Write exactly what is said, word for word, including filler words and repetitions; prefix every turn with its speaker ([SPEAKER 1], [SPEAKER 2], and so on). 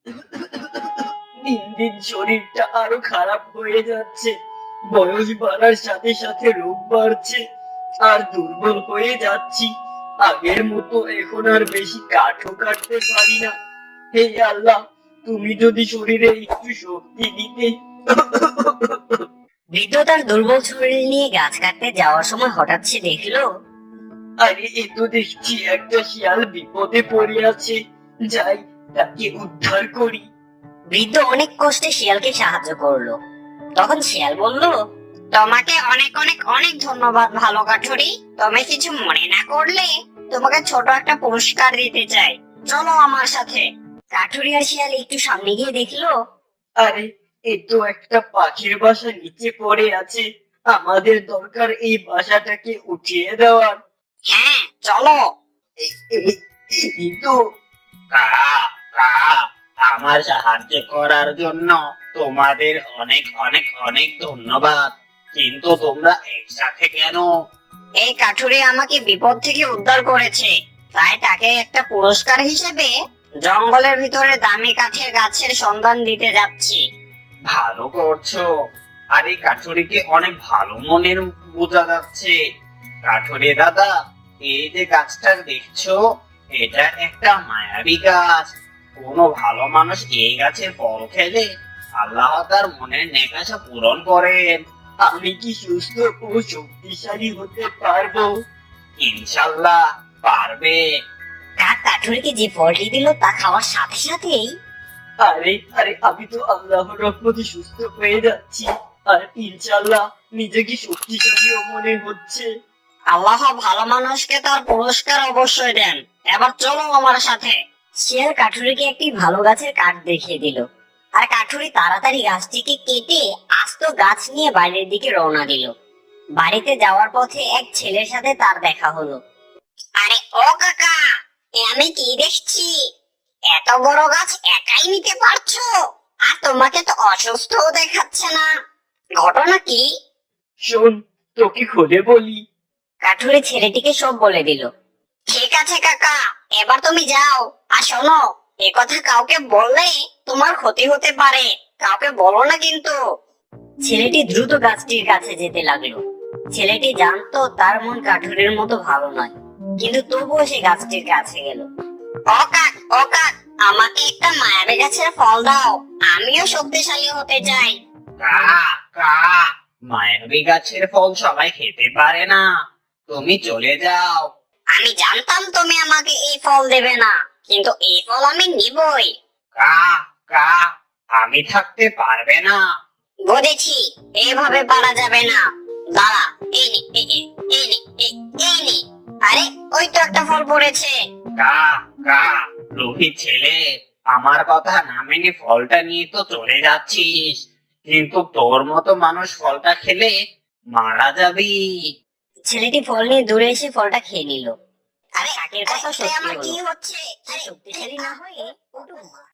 [SPEAKER 1] দিন দিন শরীরটা আরো খারাপ হয়ে যাচ্ছে। বয়স বাড়ার সাথে সাথে রোগ বাড়ছে, আর দুর্বল হয়ে যাচ্ছি। আগের মতো এখন আর বেশি কাঠও কাটতে পারি না। হে আল্লাহ, তুমি যদি শরীরে একটু শক্তি দিতে।
[SPEAKER 2] বৃদ্ধ তার দুর্বল শরীর নিয়ে গাছ কাটতে যাওয়ার সময় হঠাৎ সে দেখলো
[SPEAKER 1] আরে এ তো দেখছি একটা শিয়াল বিপদে পড়ে আছে। যাই, তাকে উদ্ধার করি।
[SPEAKER 2] বৃদ্ধ অনেক কষ্টে শিয়ালকে সাহায্য করলো। তখন শিয়াল বলল, তোমাকে অনেক অনেক অনেক ধন্যবাদ ভালো কাঠুরি। তুমি কিছু মনে না করলে তোমাকে ছোট একটা পুরস্কার দিতে চাই, চলো আমার সাথে। কাঠুরি আর শিয়াল একটু সামনে গিয়ে দেখলো
[SPEAKER 1] আরে এ তো একটা পাখির বাসা নিচে পড়ে আছে। আমাদের দরকার এই বাসাটাকে উঠিয়ে দেওয়ার।
[SPEAKER 2] হ্যাঁ চলো।
[SPEAKER 1] এ- এ- এই তো।
[SPEAKER 3] কা কা আমার সাহায্য করার জন্য তোমাদের অনেক অনেক অনেক ধন্যবাদ। কিন্তু তোমরা একসাথে কেন?
[SPEAKER 2] এই কাঠুরি আমাকে বিপদ থেকে উদ্ধার করেছে, তাই তাকে একটা পুরস্কার হিসেবে জঙ্গলের ভিতরে দামি কাঠের গাছের সন্ধান দিতে যাচ্ছি।
[SPEAKER 3] ভালো করছো। আর এই কাঠুরিকে অনেক ভালো মনের বোঝা যাচ্ছে। কাঠুরি দাদা, এই যে গাছটা দেখছো, এটা একটা মায়াবী গাছ। কোনো ভালো মানুষ এই গাছের ফল খেলে আল্লাহ তার মনের নেকাশা পূরণ করেন।
[SPEAKER 1] আমি কি সুস্থ ও শক্তিশালী হতে পারবো?
[SPEAKER 3] ইনশাল্লাহ পারবে।
[SPEAKER 2] কাক কাঠুরিকে যে ফলটি দিল তা খাওয়ার সাথে সাথেই
[SPEAKER 1] আরে আরে আমি তো আল্লাহর রহমতে সুস্থ হয়ে যাচ্ছি। আর ইনশাল্লাহ নিজেকে শক্তিশালীও মনে হচ্ছে।
[SPEAKER 2] আল্লাহ ভালো মানুষকে তার পুরস্কার অবশ্যই দেন। এবার চলো আমার সাথে। শিয়াল কাঠুরিকে একটি ভালো গাছের কাঠ দেখিয়ে দিল, আর কাঠুরি তাড়াতাড়ি গাছটিকে কেটে আস্ত গাছ নিয়ে বাড়ির দিকে রওনা দিল। বাড়িতে যাওয়ার পথে এক ছেলের সাথে তার দেখা হলো। আরে ও কাকা, এ আমি কি দেখছি? এত বড় গাছ একাই নিতে পারছো? আর তোমাকে তো অসুস্থও দেখাচ্ছে না, ঘটনা কি?
[SPEAKER 1] শোন, তোকে খুলে বলি।
[SPEAKER 2] কাঠুরি ছেলেটিকে সব বলে দিল। ঠিক আছে কাকা, এবার তুমি যাও। আর শোনো, এ কথা কাউকে বললে তোমার ক্ষতি হতে পারে, কাউকে বলো না কিন্তু। ছেলেটি দ্রুত গাছটির কাছে যেতে লাগলো। ছেলেটি জানতো তার মন কাঠুরির মতো ভালো নয়, কিন্তু তবুও সে গাছটির কাছে গেল। ও কাক, ও কাক, আমাকে একটা মায়াবী গাছের ফল দাও, আমিও শক্তিশালী হতে চাই।
[SPEAKER 3] কা কা মায়াবী গাছের ফল সবাই খেতে পারে না। তুমি চলে যাও।
[SPEAKER 2] আমি জানতাম তুমি আমাকে এই ফল দেবে না, কিন্তু এই ফল আমি নিবই।
[SPEAKER 3] কা কা আমি থাকতে পারবে না।
[SPEAKER 2] বুঝেছি, এভাবে পারা যাবে না। দাঁড়া, এই নে, এই এই, এই নে, এই এই নে। আরে ওই তো একটা ফল পড়েছে।
[SPEAKER 3] কা কা লোভী ছেলে, আমার কথা না মেনে ফলটা নিয়ে তো চলে যাচ্ছিস, কিন্তু তোর মতো মানুষ ফলটা খেলে মারা যাবি।
[SPEAKER 2] ছেলেটি ফল নিয়ে দূরে এসে ফলটা খেয়ে নিল। আরে কাকের কথা
[SPEAKER 4] আরে,
[SPEAKER 2] সত্যি
[SPEAKER 4] আমার
[SPEAKER 2] হলো।
[SPEAKER 4] কি হচ্ছে?
[SPEAKER 2] সে শক্তিশালী না হয়ে একটু